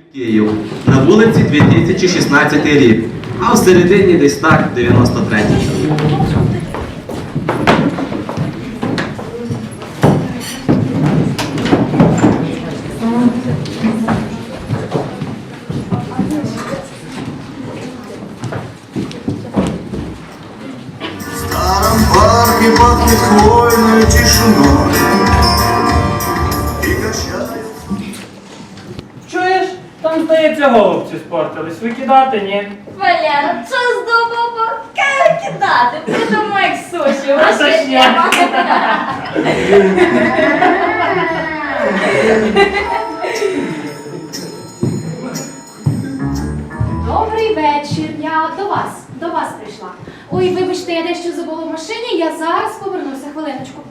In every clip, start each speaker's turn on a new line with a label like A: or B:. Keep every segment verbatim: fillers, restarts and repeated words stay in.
A: Київ. На вулиці дві тисячі шістнадцятий рік, а в середині десь так дев'яносто третій.
B: В старом парке пахнет хвойной тишиной и качает.
C: Чуєш? Там, здається, голубці спортились. Викидати, ні?
D: Валера, що з дому кидати? Придумай як суші,
C: А то ж я.
E: Добрий вечір, я до вас, до вас прийшла. Ой, вибачте, я дещо забула в машині, я зараз повернуся, хвилиночку.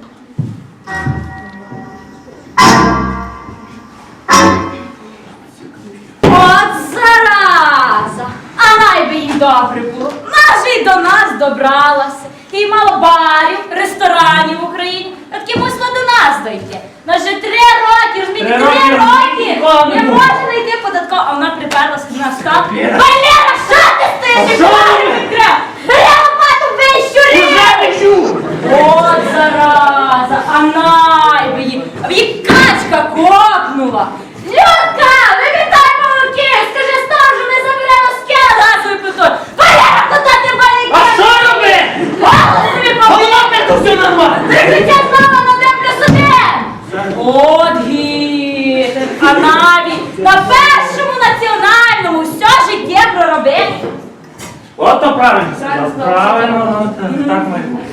D: От зараза! А най би їй добре було. Нас же й до нас добралася. І мало барів, ресторанів в Україні. А таки мусила до нас дойти. Нас же три роки, розумієте,
C: Три
D: три
C: роки
D: роки.
C: ніколи не
D: Не
C: було.
D: може знайти податково, а вона приперлася до нас так.
C: Валера!
D: Валера, що ти стоїш?
C: А що
D: Валера,
C: ви?
D: відкрив! Бери лопату, бий щурів!
C: Уже не чув!
D: От зараза, а най би її, а її качка копнула. Людка, вимітай молоки, скажи сторожу, не забере носки газовий плитою. Валера, куди ти балики?
C: А що робити?
D: Голову собі побив.
C: Головне, то все нормально.
D: Прикриття знову на один плюс один. От гітер, а навіть на першому національному все життя проробив.
C: От то правильно сказав.
D: Правильно,
C: Правильно, ну, так- так має бути.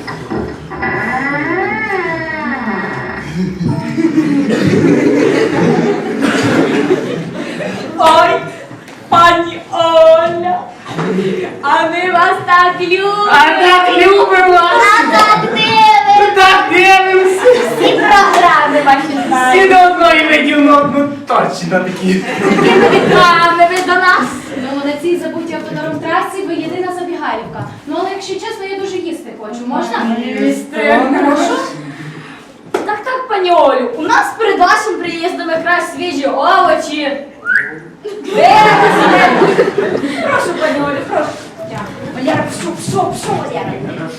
D: Ой, пані Оля, а ми вас так любимо.
C: А так любимо вас.
D: А так дивимося.
C: Так дивимося.
D: Всі програми ваші
C: Всі
D: знаємо.
C: до одної видів, ну, ну точно такі.
D: Якими вітрами ви до нас?
E: Ну, на цій забутій автодором трасі ви єдина забігаївка. Ну, але якщо чесно, я дуже їсти хочу. Можна?
D: Їсти.
E: Прошу.
D: Так, так, пані Олю, у нас перед вашим приїздом якраз свіжі овочі. Берете себе. Прошу, пані Олю, прошу. Дякую. Валера, пшу, пшу, пшу, Валера.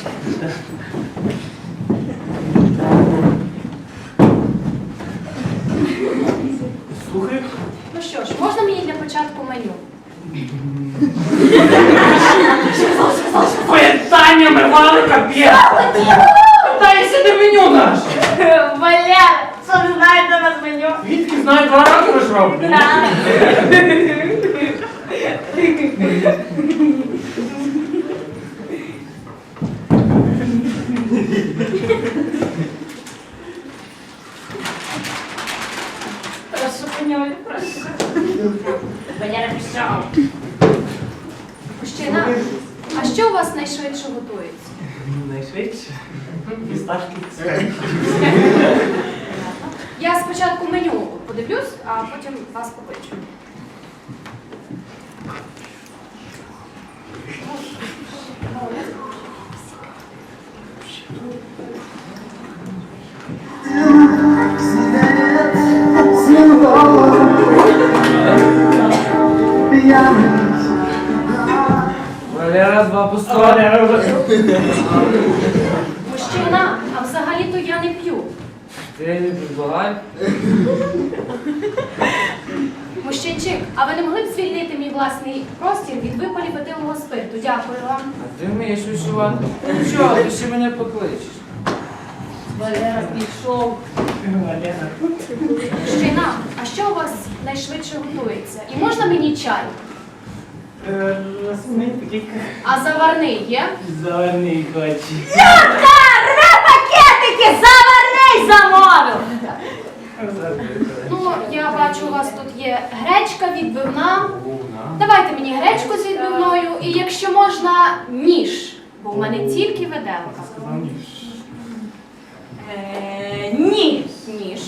C: Слухай.
E: Ну що ж, можна мені для початку меню?
C: Питаннями мали капець. Дай сюди меню наше.
D: Валера, що ви знаєте на меню?
C: Відки знаю, два роки ви ж робите.
D: Прошу, пані Олю, прошу. Валера, пішов.
E: Мужчина, а що у вас найшвидше готується?
C: Найшвидше. Фісташки.
E: Я спочатку меню подивлюсь, а потім вас покличу.
C: Валера, два пустого.
E: Мужчина, а взагалі-то я не п'ю.
C: Ти не предлагай.
E: Мужчинчик, а ви не могли б звільнити мій власний простір від випалів етилового спирту? Дякую вам.
F: А ти вмієш вишивати? Ну чого, ти ще мене покличеш?
D: Валера, пішов.
C: Валера.
E: Мужчина, а що у вас найшвидше готується? І можна мені чай?
C: Розумій такий
E: А заварний є?
C: заварний хоче.
D: Людка, рве пакетики, заварний замовив.
E: Ну, я бачу, у вас тут є гречка відбивна. Давайте мені гречку з відбивною і, якщо можна, ніж. Бо в мене тільки виделка.
D: Е, Ні.
E: Ніж.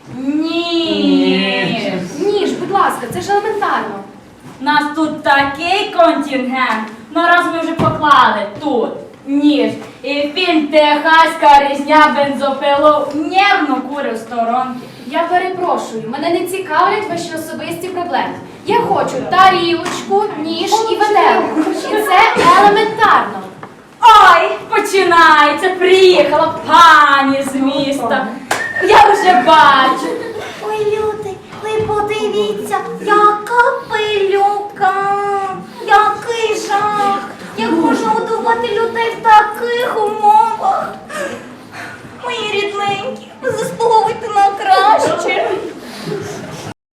D: Ні.
E: Ніж, будь ласка, це ж елементарно.
D: У нас тут такий контингент. Ну раз ми вже поклали тут ніж. І фільм «Техаська різня бензопилу» нервно курив сторонки.
E: Я перепрошую, мене не цікавлять ваші особисті проблеми. Я хочу тарілочку, ніж і виделку. І це елементарно.
D: Ой, починається, приїхала пані з міста. Я вже бачу. Ой, люди, ви подивіться, яка пилюка, який жах. Як можна годувати людей в такий